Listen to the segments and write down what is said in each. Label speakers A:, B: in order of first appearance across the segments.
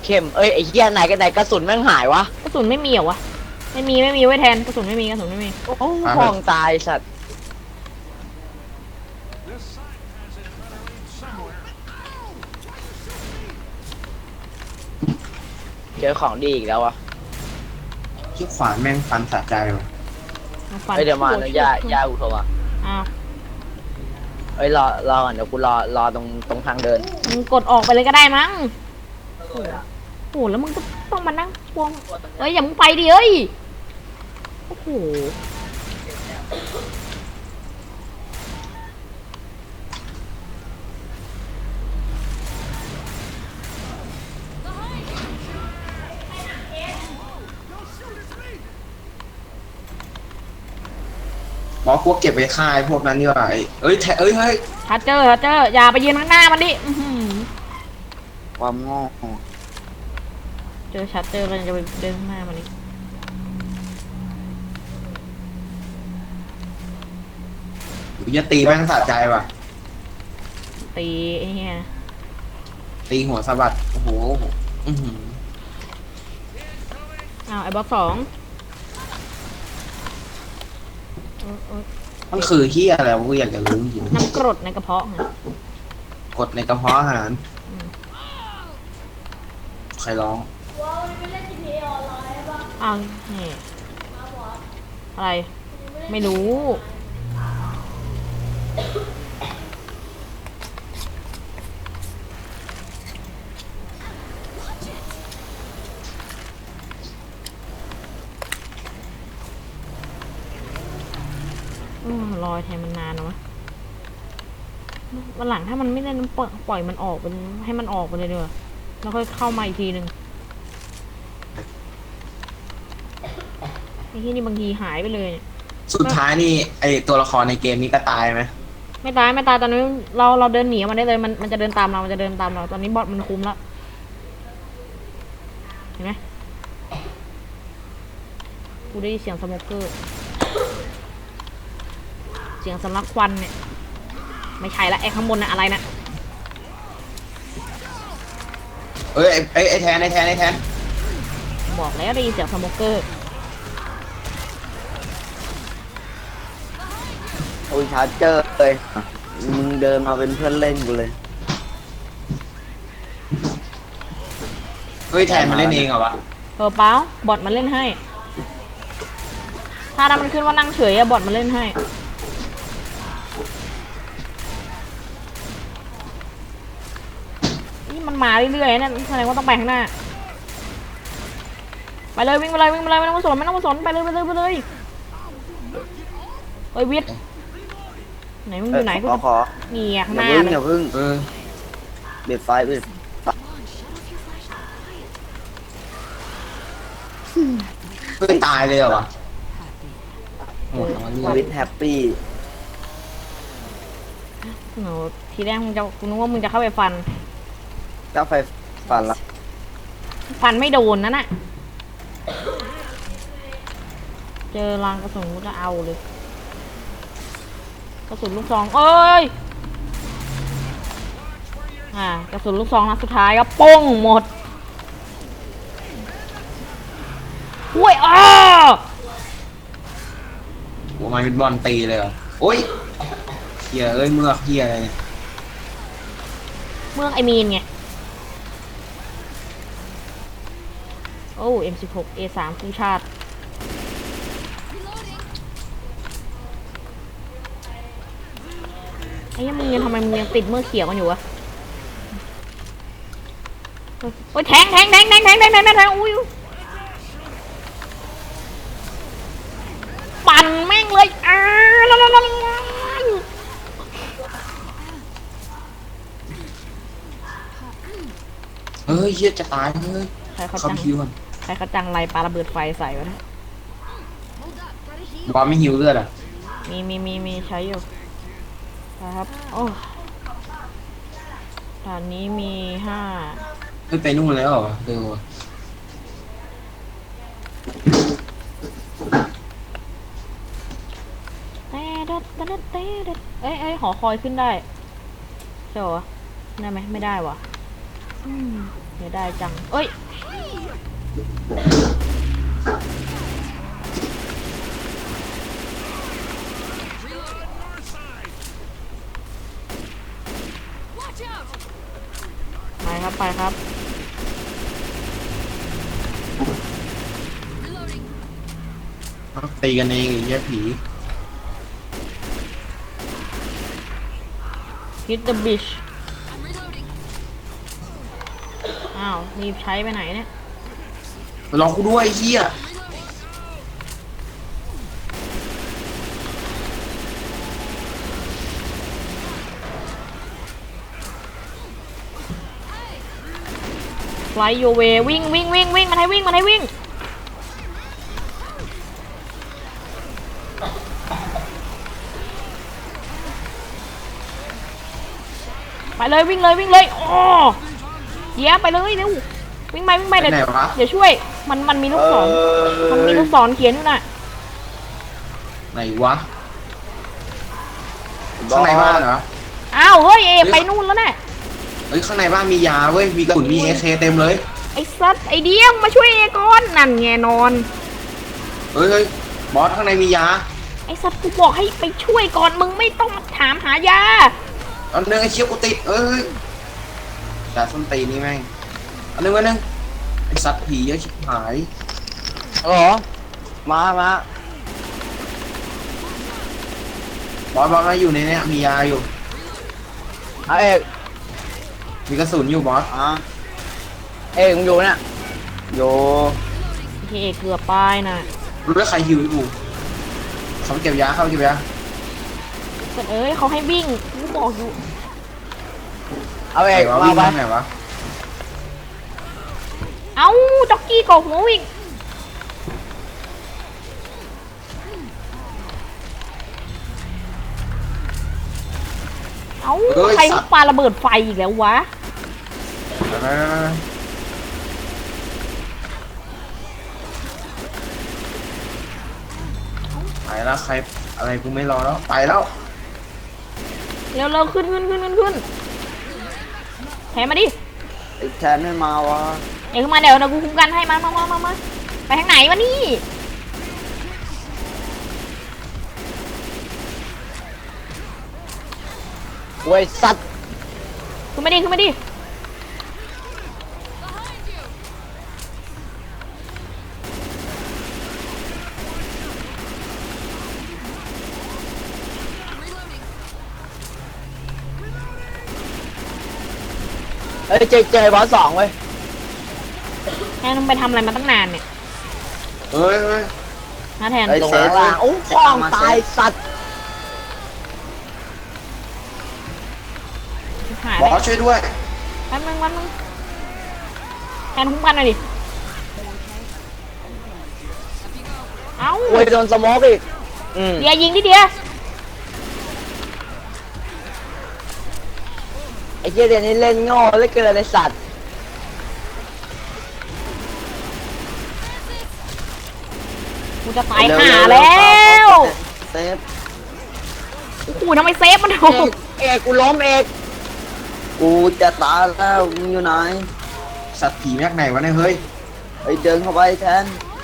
A: เข้มเอ้ยไอ้เหี้ยไหนกันไหนกระสุนแม่งหายวะ
B: กระสุนไม่มีเหรอวะไม่มีไว้แทนกระสุนไม่มี
A: โอ้ห้องตายสัตว์เจอของดีอีกแล้ววะ
C: ที่ขวานแม่งฟันสะใจว่ะ
A: เฮ้ยเดี๋ยวมาแล้วย่าอุโทรมา
B: อ้าว
A: เอ้ยรอก่อนเดี๋ยวกูรอตรงทางเดิน
B: มึงกดออกไปเลยก็ได้มั้งโอ้โหแล้วมึงก็ต้องมานั่งพวงเอ้ยอย่ามึงไปดิเอ้ยโอ้โห
C: บอกพวกเก็บไว้ค่ายพวกนั้นดีกว่าเอ้ยเฮ้ย
B: ถ้าเจออย่าไปยืนข้างหน้ามันดิ
A: ความโง่
B: เจอชัดเจอเราจะไปเดินข้างหน้ามันดิ
C: หรือจะตีแม่งสะใจว่ะ
B: ตีไอ้เหี้ย
C: ตีหัวสะบัดโอ้โห
B: อ้าวไอ้บอสสอง
C: มันคือเฮียอะไรกูอยากจะรู้จริง
B: น้ำกรดในกระเพาะไง
C: กดในกระเพาะอาหารใครร้อง
B: อ้าวนี่อะไรไม่รู้รอยแทนมันนานเนาะวันหลังถ้ามันไม่เล่นปล่อยมันออกเป็นให้มันออกไปเลยเด้อแล้วค่อยเข้ามาอีกทีหนึ่งไอ้ที่นี่บางทีหายไปเลยเนี่ย
C: สุดท้ายนี่ไอตัวละครในเกมนี้ก็ตายไหม
B: ไม่ตายตอนนี้เราเดินหนีมันได้เลยมันจะเดินตามเราตอนนี้บอทมันคุมแล้วเห็นไหมกูได้ยินเสียงสโมกเกอร์เสียงสำลักควันเนี่ยไม่ใช่ละไอ้ข้างบนน่ะอะไรนะ
C: เอ้ยไอแทน
B: บอกแล้วได้ยินเสียงสโมกเกอร์
A: โอ้ยชาร์เจอร์เลยมึงเดินมาเป็นเพื่อนเล่นกูเลย
C: เฮ้ยแทนมันเล่นเองเหรอวะ
B: เปล่าบอทมันเล่นให้ถ้ามันขึ้นว่านั่งเฉยอะบอทมันเล่นให้นี่มันมาเรื่อยๆนั่นแสดงว่าต้องไปข้างหน้าไปเลยวิ่งไปเลยไม่ต้องมาสนไปเลยเฮ้ยวิทย์ไหนมึงอยู่ไหนกู
A: ขอ
B: นี่ข้างหน้า
A: อย่าพึ่งเบ็ดไฟเ
C: ฮ้ยตายเลยเหรอวะ
A: วิทแฮปปี้
B: หนูทีแรกกูนึกว่ามึงจะเข้าไปฟัน
A: ก็ไฟฟันละ
B: ฟันไม่โดนนั่นน่ะเจอรางกระสุนก็เอาเลยกระสุนลูกซองเอ้ยกระสุนลูกซองนัดสุดท้ายก็ป้งหมดอุ้ย
C: หัวมันเป็นบอลตีเลยเหรอโอ้ยเฮียเอ้ยเมือกเฮียอะไรเนี่ย
B: เมืองไอมีนไงโอ้ M16 A3 คู่ชาติไอ้ยังมึงยังทำไมมึงยังติดเมื่อเขียวกันอยู่วะโอ้ยแทงอุ้ยปั่นแม่งเลย
C: เฮ้ยเฮียจะตายเลย
B: ใครเขาจังไรปาระเบิดไฟใส่วะนะ
C: บอลไม่หิวเลือดอ่ะ
B: มีใช้อยู่ครับโอ้ตอนนี้มี5
C: ไม่ไปนู่นแล้วเหรอเร็ว
B: เอ้ยหอคอยขึ้นได้ใช่เหรอได้ไหมไม่ได้วะเดี๋ยวได้จังเอ้ยไปครับไปครับ
C: ตีกันเองไอ้เหี้ยผี
B: hit the beach อ้าวรีบใช้ไปไหนเนี่ย
C: รอกูด้วยไอ้เหี้ย
B: fly your way วิ่งวิ่งวิ่งวิ่งมันให้วิ่งมันให้วิ่งไปเลยวิ่งเลยวิ่งเลยโอ้เดี๋ยวไปเลยเร็ววิ่งไปวิ่งไป
C: ไป
B: เดี๋ยว
C: ไหนวะ
B: เดี๋ยวช่วยมันมีลูกศรมันมีลูกศรเขียนอยู่น่ะ
C: ไหนวะข้างในบ้านเหรอ
B: อ้าวเฮ้ยเอไปนู่นแล้วน่ะ
C: เฮ้ยข้างในบ้านมียาเว้ยมีกระสุนมีเอเคเต็มเลย
B: ไอ้สัตว์ไอ้เดียงมาช่วยเอก่อนนั่นไงนอน
C: เฮ้ยบอสข้างในมียา
B: ไอ้สัตว์กูบอกให้ไปช่วยก่อนมึงไม่ต้องมาถามหายา
C: อันนึงไอ้เชี่ยวกูติดเอ้ยจ่าส้นตีนนี่แม่งอันนึงไอ้สัตว์ผีเยอะชิบหาย
A: เหรอมา
C: บอสมาอยู่ในเนี้ยมียาอยู่
A: เอาเอก
C: มีกระสุนอยู่บอส
A: เอกมึงอยู่เนี่ยอยู่
B: เอเกือบป้ายน่ะ
C: รู้ว่าใครหิวอยู่เขาเก็บยาเข้าเก็บยา
B: แต่เอ้ยเขาให้วิ่งกูบอกอยู่
A: เอาเอก
C: ไหนวะ
A: มา
C: วิ่ง
A: ไป
C: ทางไหนวะ
B: เอ้าจ็อกกี้กอกหัววิ่งเอ้าใครเขาปาระเบิดไฟอีกแล้ววะ
C: ไปแล้วใครอะไรกูไม่รอแล้วไปแล้ว
B: เร็วๆขึ้นแถมมาดิ
A: ไอ้แทนไม่มาวะ
B: เอ้ยขึ้นมาเดี๋ยวกูคุ้มกันให้มาไปทางไหนวะนี่
A: โว้ยสัตว์
B: ขึ้นมาดิ
A: เอ้ยเจอบอสสองเว้ย
B: แทนมึงไปทำอะไรมาตั้งนานเนี่ย
C: เฮ้ย
B: นะแทน
A: ไอ้เซฟล่างโอ้คล้องตายสัตว์
B: หาย
C: บ
B: ไป
C: อสช่วยด้วย
B: แป๊บนึงแทนคุ้มกันหน่อยดิเอ้า
A: โว้ยโดนสโมกอีก
B: เดียยิงดิเดีย
A: ไอ้เหี้ยเดี๋ยวนี้เล่นโง่เหลือเกินไอ้สัตว์
B: กูจะตายห่าแล้ว
A: เซฟ
B: โอ้โหทำไมเซฟมันโห
A: เอกกูล้มเอกกูจะตายแล้วมึงอยู่ไหน
C: สัตว์ผีแม็กไหนวะเนี่ยเฮ้ย
A: ไอ้เดินเข้าไปแทน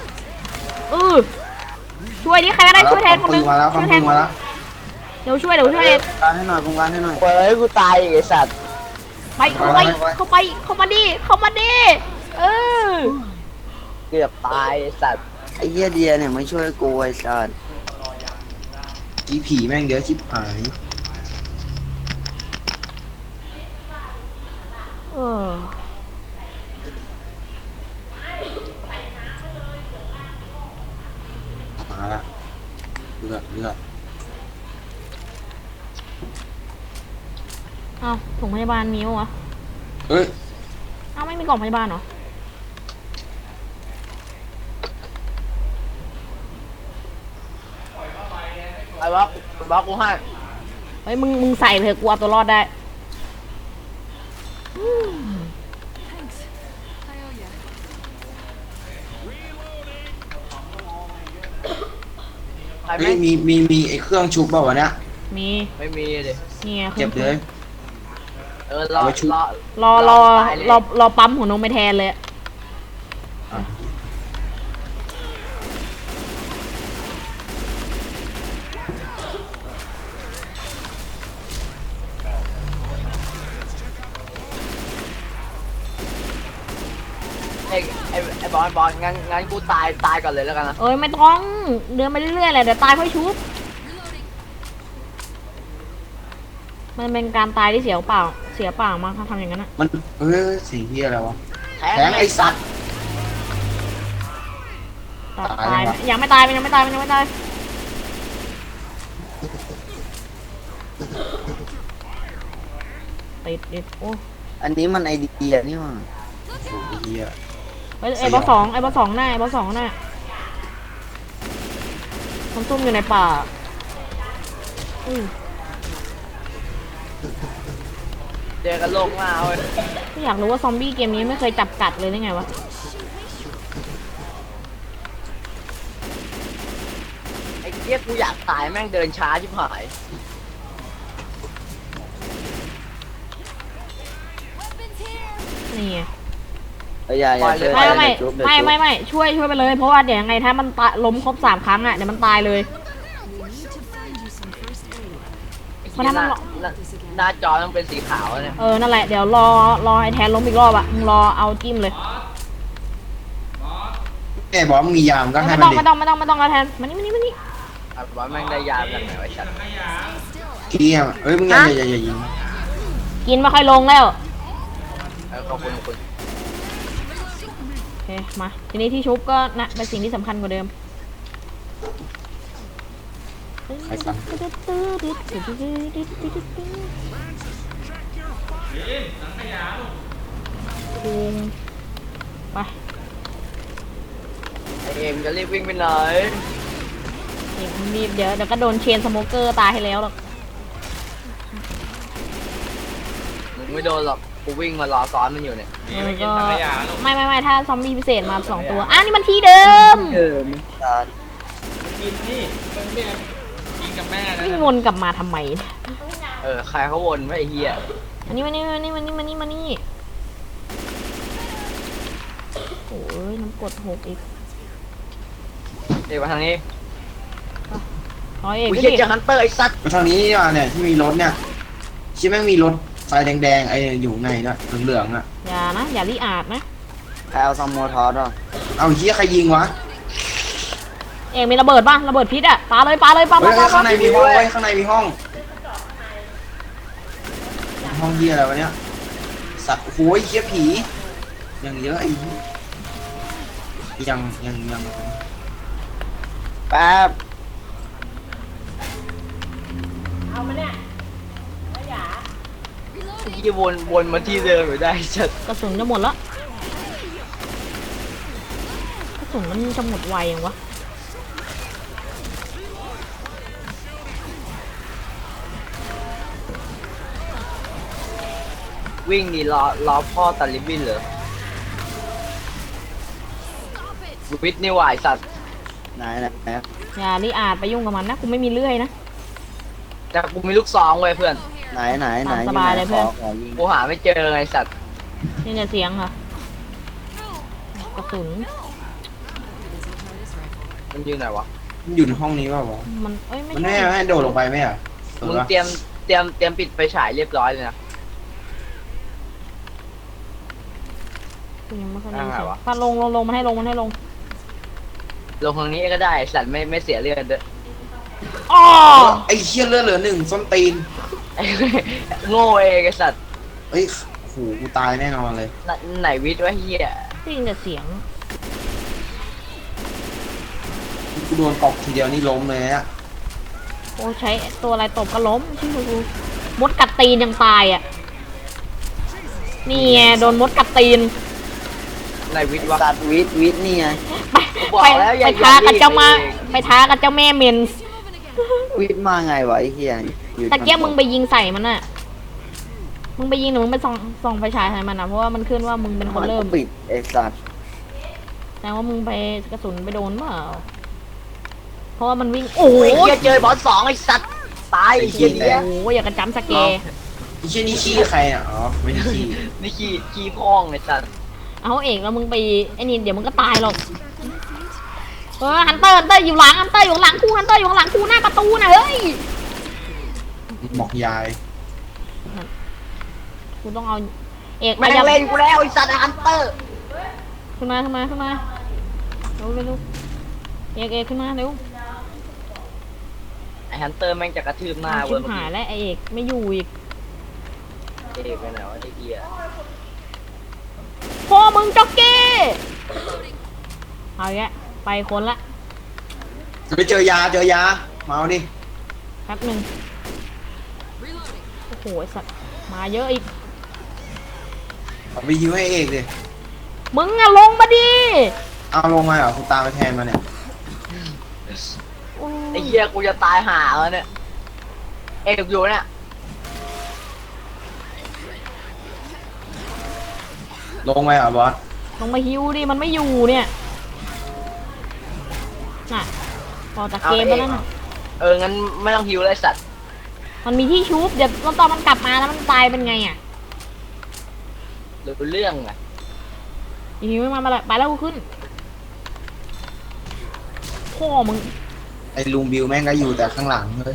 B: ช่วยดิใครก็ได้ช่วยแทนคนนึง
C: มาแล้ว
B: ช่วยแทน
C: มาแล้ว
B: เดี๋ยวช่วย
A: การให้หน่อยการให้หน่อยเฮ้ยกูตายอีกไอ้สัตว์
B: ไปเข้ามาดิเออ
A: เกือบตายไอ้สัตว์ไอ้เหี้ยเดียเนี่ยไม่ช่วยกูไอ้สัตว์
C: ผีผีแม่งเยอะชิบหาย
B: เออ
C: มาละเลือด
B: เอ้าถุงพยาบาลมีวะ
C: เฮ้ย
B: เอ้าไม่มีกล่องพยาบาลเหรอ
A: ไอ้บล็อกกูให้
B: เฮ้ยมึงใส่เถอะกูเอาตัวรอดได้
C: เฮ้ยมีไอ้เครื่องชุบเปล่าวะเนี่ย
B: มี
A: ไม่มีเลย
B: เนี่ย
C: เก็บเลย
B: เ
C: เอา
B: ร
C: ไว้ชุบ
B: อปั๊มหัวนมไปแทนเลยอะ
C: อ่ะ
D: ไอ้บอลงั้นกูตายก่อนเลยแล้วกันนะ
B: เอ้ยไม่ต้องเดินไปเรื่อยๆแหละเดี๋ยวตายค่อยชุบมันเป็นการตายที่เสียเปล่ามากถ้าทำอย่างนั้นอะ
C: มันสิ่งที่อะไรวะ
D: แทง
C: แทงไอ้สัตว์
B: ตา
C: ตาย
B: ย
C: แล้ว
B: ยังไม่ตายมันยังไม่ตายมันยังไม่ตายติดโอ้
A: อันนี้มันไอเดียนี่หว่า
C: โอ้โหเฮีย
B: ไอ้บอสสองหน้าไอ้บอสสองหน้ามันซุ่มอยู่ในป่าอือ
D: เจอกันโลกหน้าเว้ย
B: อยากรู้ว่าซอมบี้เกมนี้ไม่เคยจับกัดเลยได้ไงวะ
D: ไอ้เหี้ยกูอยากตายแม่งเดินช้าชิบหาย
B: นี่ไง
A: อย่าช่วย
B: ไม่
A: เดี๋ยวจุ๊บเดี๋ยวจุ๊บ
B: ไม่ช่วยไปเลยเพราะว่าเดี๋ยวยังไงถ้ามันล้มครบ3 ครั้งอ่ะเดี๋ยวมันตายเลย
D: ไอ้
B: เพราะ
D: เหี้ย
B: ถ้ามัน
D: หน้าจอต้องเป็นสีขาวเนี่ย
B: นั่นแหละเดี๋ยวรอไอ้แทนล้มอีกรอบอ่ะมึงรอเอาจิ้มเลย
C: ไอ้บอสมียามก็ให้
B: ไม่
C: มัน
B: ต้อง
C: ดิ
B: ไม่ต้องเอาแทนมานี่
D: อ่ะบอลแม่งได้ยาจากไหนวะฉัน
C: เกี้ยมมึงอย่ายิง
B: กินไม่ค่อยลงแล้ว
D: ขอบคุณ
B: โอเคมาทีนี้ที่ชุบก็นะเป็นสิ่งที่สำคัญกว่าเดิม
C: ไอ้สัตว์
B: ไป
D: ไอ้เอ็มจะรีบวิ่งไปไหน
B: รีบเดี๋ยวก็โดนเชนสโมเกอร์ตายให้แล้วหรอก
D: มึงไม่โดนหรอกกูวิ่งมารอซ้อนมันอยู่เนี่ย
B: ก็ไม่ถ้าซอมบี้พิเศษมา2 ตัวนี่มันที่เดิม
A: การ
B: วิ่งวนกลับมาทำไม
D: ใครเขาวนไว้ไอ้เหี้ย
B: อันนี้มานี่โอ้ยน้ำกรด6อีก
D: เดี๋ยวมาทางนี้
B: ร้อยเอก
D: กู
B: ก็
D: เหี้ย
B: ดิ
D: เจอฮันเตอร์ไอ้สัตว์
C: มาทางนี้ดีกว่าเนี่ยที่มีรถเนี่ยคิดแม่งมีรถไฟแดงๆไอ้อยู่ไงนะเหลืองๆอ่ะ
B: อย่ารีอาดนะ
A: ใครเอาซัมโมทอสอ่ะ
C: เอาเฮียใครยิงวะ
B: เอกมีระเบิดป่ะระเบิดพิษอ่ะปาเลยปา
C: เฮ้ยข้างในมีห้องข้างในมีห้องห้องเฮียอะไรวะเนี่ยสัตว์โอ้ยเฮียผียังเยอะไอ้ยัง
A: แป๊บ
B: เอามาเนี่ย
D: ไอ้เหี้ยวนมาที่เดิมอยู่ได้ไอ้สัตว์
B: กระสุนจะหมดแล้วกระสุนมันจะหมดไวยังวะ
D: วิ่งดีรอพ่อตัดลิบบิ้นเหรอวิทย์นี่หวายสัตว์
A: ไหน
B: อย่ารีอาดไปยุ่งกับมันนะกูไม่มีเลื่อยนะ
D: แต่กูมีลูกซองเว้ยเพื่อน
A: ไหน
B: ตามสบายเลยเพื่อน
A: ขอยิง
D: กูหาไม่เจอไงสัตว์
B: นี่เนี่ยเสียงค่ะกระสุน
D: มันอยู่ไหนวะ
C: มันอยู่ในห้องนี้ป่าวะ
B: มันไม่
C: มัน
B: ใช่
C: ให้โดดลงไปไหมอ่ะ
D: มึงเตรียมปิดไฟฉายเรียบร้อยเลยนะ
B: กูยังไม่ค่อยได้ยิน
D: อะไร
B: เสียง
D: วะ
B: ปาลงมันให้ลง
D: ลงทางนี้ก็ได้สัตว์ไม่เสียเลือดด้วย
B: อ๋อ
C: ไอ้เชี่ยเลือดเหลือ1ส้นตีน
D: โง่เองไอ้สัตว์
C: เฮ้ยโอ้โหกูตายแน่นอนเลย
D: ไหนวิทย์วะเฮีย
B: ได้ยินแต่เสียง
C: กูโดนตบทีเดียวนี่ล้มเลยอ่ะ
B: โอ้ใช้ตัวอะไรตบก็ล้มชื่อกูมดกัดตีนยังตายอ่ะนี่ไงโดนมดกัดตีน
D: ไหนวิทย์วะ
A: สัตว์วิทย์นี่ไง
D: บอกแล้วอย่า
B: ไปท้ากับเจ้ามา
D: อย่าดิ
B: ไปท้ากับเจ้าแม่เมนส์
A: วิทย์มาไงวะไอ้เหี้ยอยู่
B: ตะเกียบมึงไปยิงใส่มันอ่ะมึงไปยิงหรือมึงไปส่องไฟฉายใส่มันอ่ะเพราะว่ามันขึ้นว่ามึงเป็นคนเริ่ม
A: ปิดไอ้สัตว์
B: แต่ว่ามึงไปกระสุนไปโดนเปล่าเพราะว่ามันวิ่งโอ้
D: โอ้ย
B: ย
D: เฮียเจอบอส2ไอ้สัตว์ตายไอ้เฮีย
B: โอ้ยอย่ากระจำสเกร์
C: ไอ้เชี่ยนี่ขี้ใครอ่ะอ๋อไม่ได้ขี้
D: นี่ขี้พองไอ้สัตว์
B: เอาเอกแล้วมึงไปไอ้นี่เดี๋ยวมึงก็ตายหรอกฮันเตอร์อยู่หลังฮันเตอร์อยู่หลังกูฮันเตอร์อยู่หลังกูหน้าประตูน่ะเฮ้ย
C: บอกยาย
B: กูต้องเอาเอก
D: แม่งเล่นกูแล้วไอ้สัตว์ฮันเตอร์
B: ขึ้นมาเร็วเอกขึ้นมาเร็ว
D: ไอ้ฮันเตอร์แม่งจะกระทืบหน้า
B: ชิ
D: เว้ย
B: บหายแล้วไอเอกไม่อยู่อีก
D: เอกไปไหนวะไอ้เหี้ย
B: พ่อมึงจ็อกกี้เอาแยะไปคนละ
C: จะไปเจอยามาเอาดิ
B: แป๊บหนึ่งโอ้โหไอสัตว์มาเยอะอีก
C: เอาไปยิวให้เอกดิ
B: มึงอะลงมาดิ
C: เอาลงมาเหรอคุณตามไปแทนมาเนี่ย
D: ไอ้เหี้ยกูจะตายห่าแล้วเนี่ยเอกอยู่เนี่ย
C: ลงไปเหรอบอส
B: ลงมาฮิวดิมันไม่อยู่เนี่ยน่ะพอจากเกมแล้วน่ะ
D: งั้นไม่ต้องฮิวเลยสัตว์
B: มันมีที่ชุบเดี๋ยวตอนมันกลับมาแล้วมันตายเป็นไงอ่ะ
D: รู้เรื่องอะ
B: ฮิวไม่มาไปแล้วกูขึ้นพ่อมึง
C: ไอ้ลุงบิวแม่งก็อยู่แต่ข้างหลังเลย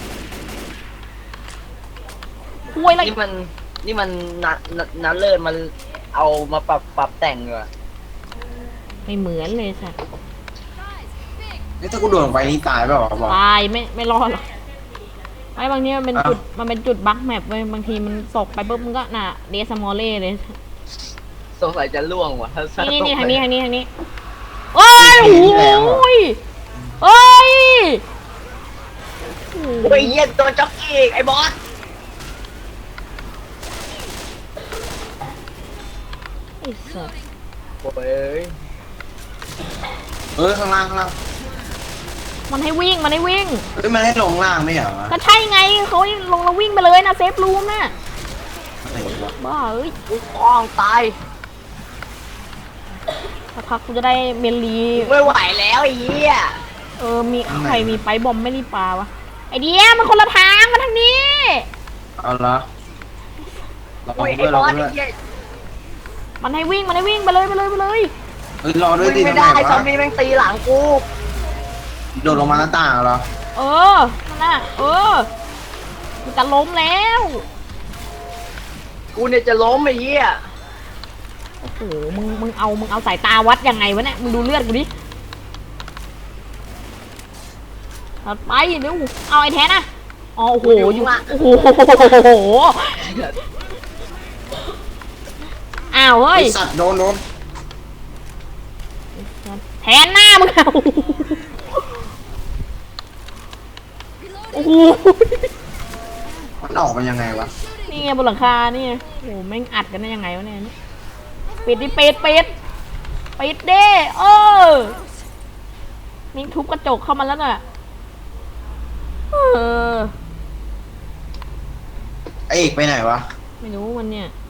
B: คุยอะไร
D: นี่มันนัดเลิศมันเอามาปรับแต่งเหรอ
B: ไม่เหมือนเลยสัตว์
C: นี่ถ้ากูโดดลงไปนี่ตายเปล่าวะบอส
B: ตายไม่รอดหรอกไอ้บางทีมันเป็นจุดมันเป็นจุดบั๊กแมปเว้ยบางทีมันตกไปปุ๊บมันก็น่ะเดสมอลเล่เลย
D: สงสัยจะล่วงว่ะ
B: นี่ทางนี้โอ้ยโอ้ยโอ้ย
D: โอ้ยเหี้ยโดนจ็อกกี้ไอ้บอส
B: ไอ้สัส
D: โอ้ย
C: ข้างล่าง
B: มันให้วิ่ง
C: มันให้ลงล่างไม่เหรอวะ
B: ก็ใช่ไงเขาลงแล้ววิ่งไปเลยนะเซฟรูมน่ะ
C: อะไรวะ
B: บ้าเอ้ย
D: กูคล้องตาย
B: สักพักกูจะได้เมลี
D: ไม่ไหวแล้วไอ้เหี้ย
B: มีใครมีไปบอมไม่รีบปาวะไอเดียมันคนละทางมาทางนี้
C: เอาละรอ
D: โอ้ยไอ้
C: ด้วย
D: บ
C: รอ
D: อส
C: ด้
D: ไอ้
C: วย
D: เหี้ย
B: มันให้วิ่งไปเลย
C: เฮ้ยรอด้วย
D: วิ่
C: ดิ
D: งไม่
C: ทำไม
D: ได้ซอ
C: วะ
D: มบี้แม่งตีหลังกู
C: โดดลงมาหน้าต่างเหรอ
B: นั่นน่ะกูจะล้มแล้ว
D: กูเนี่ยจะล้มไอ้เหี้ย
B: โอ้โหมึงเอาสายตาวัดยังไงวะเนี่ยมึงดูเลือดกูดิตัดไปเดี๋ยวเอาไอ้แทนนะอ๋อโอ้โหอยู่โอ้โหอ้าวเฮ้
C: ไอย สัตว์โดน
B: แทนหน้ามึงเอาโอ้โห
C: มันออกมายังไงวะ
B: นี่ไงบนหลังคานี่ไงโอ้โหแม่งอัดกันได้ยังไงวะเนี่ยปิดดิปิดเด้นี่ทุบกระจกเข้ามาแล้วน่ะ
C: ไอเอกไปไหนวะ
B: ไม่รู้มันเนี่ย